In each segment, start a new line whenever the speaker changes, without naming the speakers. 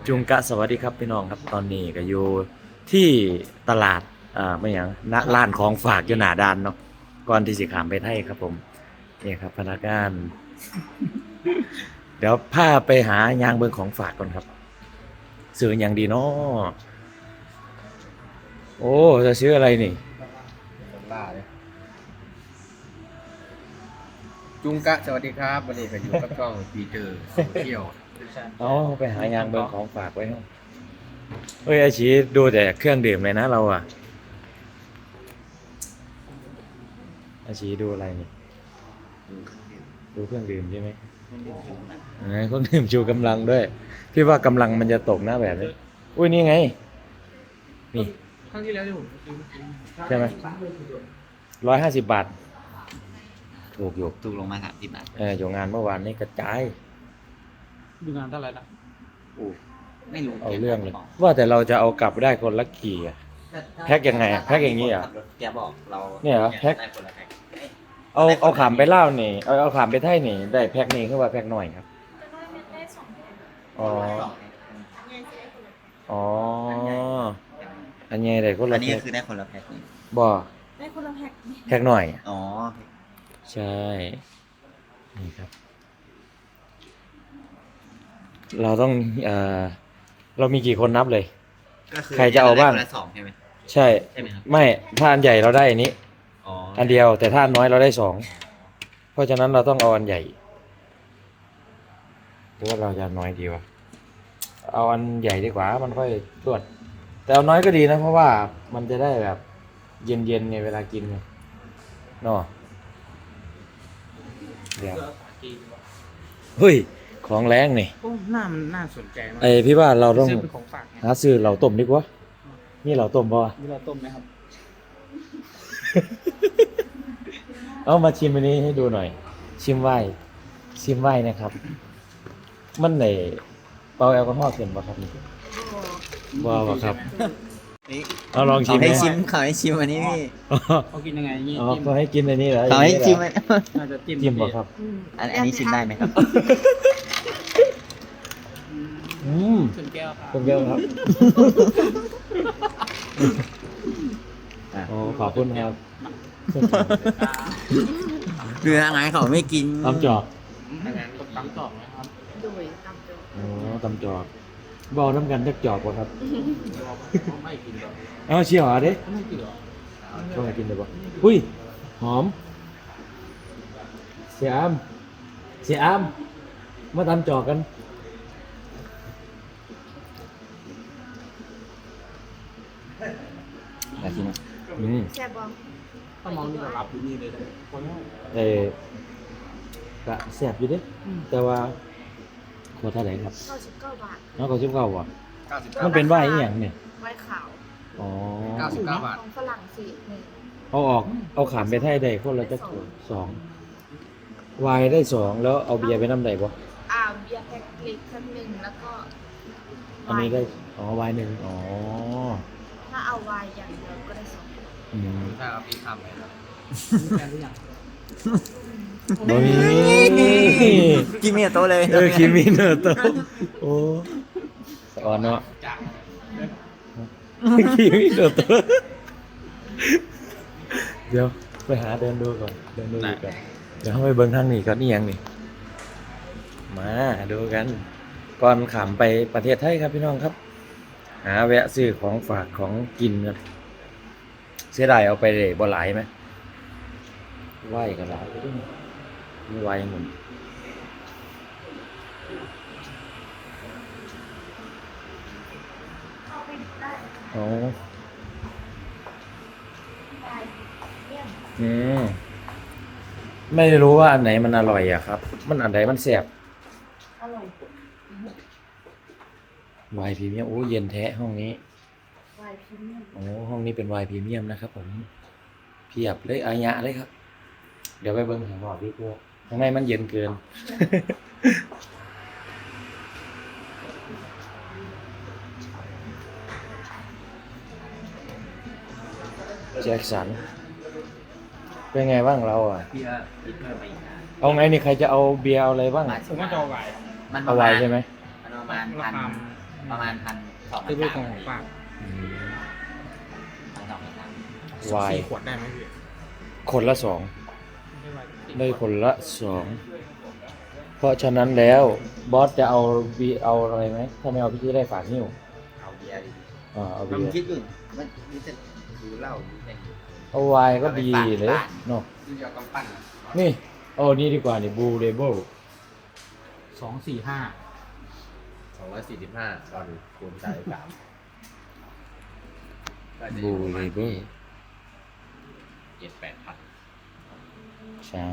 จุงกะสวัสดีครับพี่น้องครับตอนนี้ก็อยู่ที่ตลาดไม่หยังณร้านของฝากอยู่หน้าด้านเนาะก่อนที่สิขามไปไทยครับผมนี่ครับพนักงานเดี๋ยวพาไปหายางเบิงของฝากก่อนครับซื้ออย่างดีเนาะโอ้จะซื้ออะไรนี่
ล่าเลยจุงกะสวัสดีครับวันนี้ก็อยู่กับช่องปีเตอร์โซเชียล
เอาไปหายางเบิงของฝากไว้เนาะเฮ้ยไอชีดูแต่เครื่องดื่มเลยนะเราอะไอชีดูอะไรนี่ดูเครื่องดื่มใช่ไหมเครื่องดื่มชูกำลังด้วยพี่ว่ากำลังมันจะตกนะแบบนี้อุ้ยนี่ไงนี่
ครั้งที่แล้วที่ผมซื้อ
ใช่ไหม150 บาทถูกอยู่
ถูกลงมา30 บาท
อยู่งานเมื่อวานนี้กระจาย
ดูงานเท่าไหร่นะ
ไม่รู้
เอาเรื่องเลยว่าแต่เราจะเอากลับได้คนละกี่อะแพ็คยังไงอะแพ็คอย่างนี้เหรอ
แกบอกเรา
เนี่ยเหรอแพ็ค
ได้คนละแพ็ค
เอาขามไปเล่านี่เอาขามไปไทยนี่ได้แพ็คนี้ขึ้นว่าแพ็คหน่อยครับอ๋ออ๋ออันนี้ได้คน
อั
ละ
นนี้
แพ็ค
คือได้คนละแพ็คนี่
บ่
ได้คนละแพ็ค
แพ็คหน่อย
อ๋อ
ใช่นี่ครับ เราต้องเรามีกี่คนนับเลย
ก็คือ
ใครจะเอาบ้าง
ได้คนละ2ใช่ไหม
ใช่
ใช่ไหมครับ
ไม่ถ้าอันใหญ่เราได้อันนี้
อ๋อ
อันเดียวแต่ถ้าอันน้อยเราได้2เพราะฉะนั้นเราต้องเอาอันใหญ่หรือว่าเราจะน้อยดีวะเอาอันใหญ่ดีกว่ามันค่อยตรวจแต่เอาน้อยก็ดีนะเพราะว่ามันจะได้แบบเย็นๆไงเวลากินไงเนาะเดี๋ยวเฮ้ยของแรงนี่
โอ้หน้ามันน่าสนใจมาก
ไอพี่ว่าเราต้อง
ซื้อเป็นของฝากไง
หาซื้อเหล่าต้มดีกว่านี่เหล่าต้มป่ะ
นี่เราต้มไหมครับ
เอามาชิมอันนี้ให้ดูหน่อย ชิมไว้นะครับ มันไหนเปล่าแอลกอฮอล์เกินป่ะครับนี่บ่ครับ
นี่
เอาลองชิ
เขา
ม
ให้
ไหม
ชิมเขาให้ชิมอันนี้พี่
เขากินยังไงนี่
อ๋อ
จิ้ม
ก็ให้กินอันนี้เหรอ
เขาให้ชิมอัน
น่าจะจิ้ม
จิ้มป่ะครับ
อันนี้ชิมได้ไหมครับ
อืม
ชนแก้วครับ
ผมเยอะครับโอ้ขอบคุณครับ
คือทางไหนเขาไม่กิน
ตำจอก
อันนั้นก็ตำต่อนะครับ
โดยตามตัว
อ๋อตำจอกบอกน้ำกันจักจอกป่ะครับ
เขาไม่กินหรอก
เอาเชี่ยวเด้
เขาไม่กินหรอก
ช่วงไหนกินได้ป่ะอุ้ยหอมเสียอามมาตำจอกกัน
อยากชิมไหม
แซ่บบ้าง
ถ้ามองนี่ก็รับอยู่นี่เลยคน
กะแซ่บอยู่เด้แต่ว่าขวดเท่าไหร่ครับ
99 บาท
น้องก็ชิบเก้าว่ะ
99
มันเป็นไวน์อหย่างเนี่ย
ไวน์ขาว
อ๋อ
99 บาท
ของฝรั่งเศสหนึ่ง
เอาขามไปไทยได้คนละจักขวด2ไวน์ได้2แล้วเอาเบียร์ไปน้ำได้บ่
เบียร์แพ็คเล็กชั้นหนึ่งแล้วก็
อันนี้ได้ไวน์1อ๋อ
ถ้าเอาไวน์อย่างเดียวก็ได้2
อืม
ถ้าเอาพี่ทำเลยนะ
แฟนหรือยัง
บ่มี
กินเมียโตะเลย
คิมิเนอร์โตโอ้สอนเนาะ
จาก
คิมิเนอร์โตเดี๋ยวไปหาเดินดูก่อนเดินดูอีกก่อนเดี๋ยวเข้าไปเบิ่งทางนี้ก่อนนี่ยังนี่มาดูกันก่อนขามไปประเทศไทยครับพี่น้องครับ หาแวะซื้อของฝากของกินกันเสียดายเอาไปเลยบ่หลายไหมไหวกันหลายไปด้วยมีไหวหมุนอ๋ออืมไม่รู้ว่าอันไหนมันอร่อยอะครับ มันอันไหนมันแสบ
อร่อย
ไวน์พรีเมียมโอ้เย็นแท้ห้องนี้
ไวน์พรีเมียม
โอ้ห้องนี้เป็นไวน์พรีเมียมนะครับผมเพียบเลยอายะเลยครับ เดี๋ยวไปเบิ้งข้างนอกดีกว่าข้างในมันเย็นเกิน แจ็คสันเป็นไงบ้างเราอ่ะ
พี่ก็คิดเพิ่มไปอีกนะ
เอาไงนี่ใครจะเอาเบียร์เอาอะไรบ้าง
ผมว่าจะเอาไวน์
มันป
เอา
ระ
ไว
มาณ
น์ใช่ไหม
มันประมาณ
ราคา
ประมาณ1,200
ซื้อเป็นของฝาก
วาย
4 ขวดได้ไหมพี่
คนละ 2
ไม่ได้วาย
ได้คนละ 2 เพราะฉะนั้นแล้วบอสจะเอาเอาอะไรไหมถ้าไม่เอาพี่จะได้ฝากนิ้ว
เอาเบียร์ดิ
เอา
ผ
เบี
ม
ยร์
คิดอยู่มันจะดูเหล้าดูแต่
เอาไวน์ก็ดีเลยเนาะ
ดูยากำปั้น
นี่เอานี่ดีกว่านี่บูเลเบิล
245
245ตอนคูณ3
บูเลเบิล
7-8 พัน
ใช่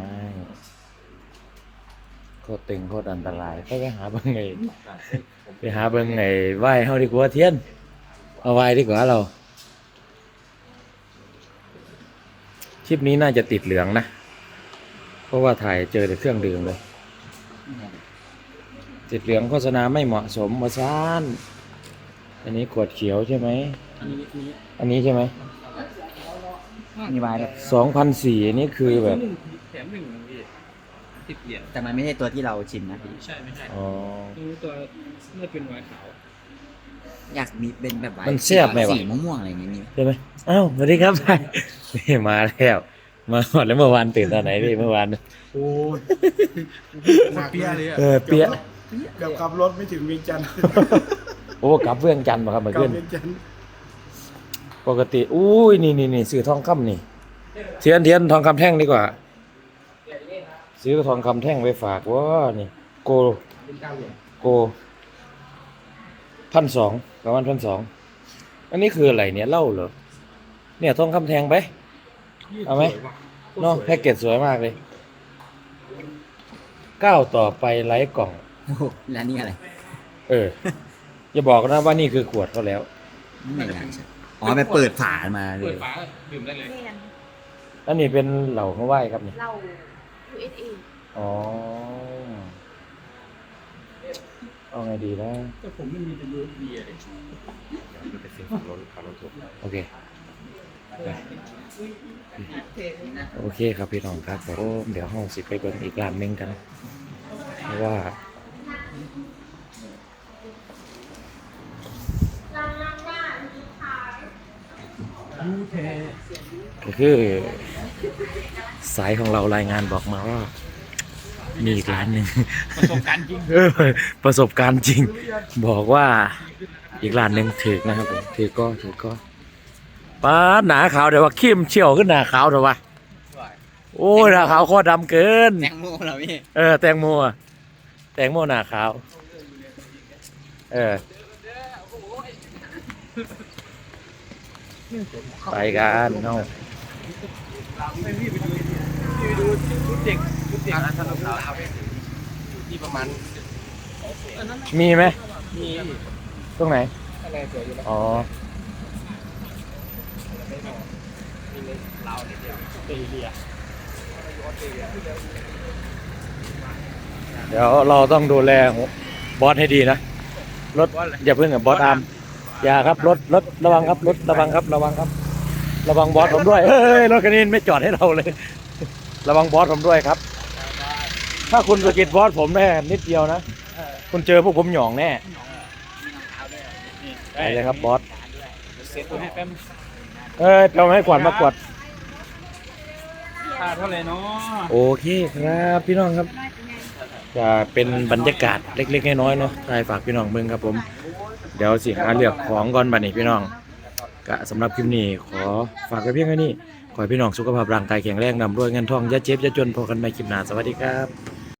โคตรตึงโคตรอันตรายไปหาเบิ่งไงไปหาเบิ่งไงไหว้เฮาดีกว่าเทียนเอาไหว้ดีกว่าเราคลิปนี้น่าจะติดเหลืองนะเพราะว่าถ่ายเจอแต่เครื่องดื่มเลยติดเหลืองโฆษณาไม่เหมาะสมมาซ่านอันนี้ขวดเขียวใช่ไหม
อันนี้
อันนี้ใช่ไหม
มีวายแบบ
2,400อันนี้คือแบบ
แถม1พี่10 เหรียญ
แต่มันไม่ใช่ตัวที่เราชิมนะพี่
ใช่ไม่ใช่
อ๋อ
ตัวน่าจะเป็นวายขาว
อยากมีเป็นแบบวาย
มันแซ่บไหมวะ
สีม่วงๆอะไรอย่างเงี้ยมีไหม
ใช่ไหมอ้าวสวัสดีครับ นี่มาแล้วมาหมดแล้วเมื่อวานตื่นตอนไหนพี่เมื่อวาน
โอ้ยเปียเลย
เปียะ
เกือบขับรถไม่ถึงเวียงจันทร์
โอ้กลับเวียงจันทร์มาครับเมื่อก
ลั
คื
บ
น
เวียงจันทร์
ปกติอุ้ยนี่ซื้อทองคำนี่เทียนทองคำแท่งดีกว่า ซื้อทองคำแท่งไปฝากว่านี่โก 1,200ประมาณ1,200อันนี้คืออะไรเนี่ยเหล้าเหรอเนี่ยทองคำแท่งไปเอาไหมเนาะแพ็กเกจสวยมากเลยก้าวต่อไปไร้กล่อง
โอ้โหแล้วนี่อะไร
อย่าบอกนะว่านี่คือขวดเขาแล้ว
ไม่น่าใช่อ๋อไปเปิดฝามาเล
เปิ
ย
ดฝาดื่มได้เลย
แมน
อันนี้เป็นเหล่าเขาไหว้ครับนี่
เรา USA
อ๋อเอาไงดีนะ
แต่ผมไม่มีแต่ USB เลย
มันเป็นสิ่งของรถขับรถถูก
โอเคโอเคครับพี่น้องครับเดี๋ยวห้องสิไปเบิ่งอีกร้านหนึงกันเพราะว่าก็คือสายของเรารายงานบอกมาว่ามีอีกร้านหนึ่ง
ประสบการณ์จริง
ประสบการณ์จริง บอกว่าอีกร้านหนึ่งถือนะครับผมถือก็ป้าหนาขาวเดี๋ยวว่าเข้มเชี่ยวขึ้นหนาขาวเดี๋ยวว่าโอ้ยหนาขาวโคตรดำเกิน
แตงโมเหรอพี่
แตงโมอะแตงโมหนาขาวไปกันเนาะ
ถ้าเราเอาไปที่ประมาณ
มีไหม
มี
ตรงไหน
อะไรสวยอยู่แล้ว
อ๋อ
มีในลาวนิดเดียวเตเลีย
เดี๋ยวเราต้องดูแลบอสให้ดีนะรถอย่าเพิ่งกับบอสอาร์มอย่าครับรถระวังครับรถระวังครับระวังครับ ระวังบอสผมด้วยเฮ้ยรถคันนี้ไม่จอดให้เราเลย ระวังบอสผมด้วยครับ ถ้าคุณสะกิดบอสผมแน่นิดเดียวนะคุณเจอพวกผมหยองแน่ไปเลยครับบอส
เซ็ตตัวให้แป๊บ
เราให้ขวัญมากวด
ค่าเท่าไหร่เนาะ
โอเคครับพี่น้องครับจะเป็นบรรยากาศเล็กๆน้อยๆเนาะใช่ฝากพี่น้องเบิ่งครับผม เดี๋ยวสิหาเลือกของก่อนบัดนี้พี่น้องก็สำหรับคลิปนี้ขอฝากไว้เพียงแค่นี้ขอให้พี่น้องสุขภาพร่างกายแข็งแรงนำรวยเงินทองอย่าเจ็บอย่าจนพอกันใหม่คลิปหน้าสวัสดีครับ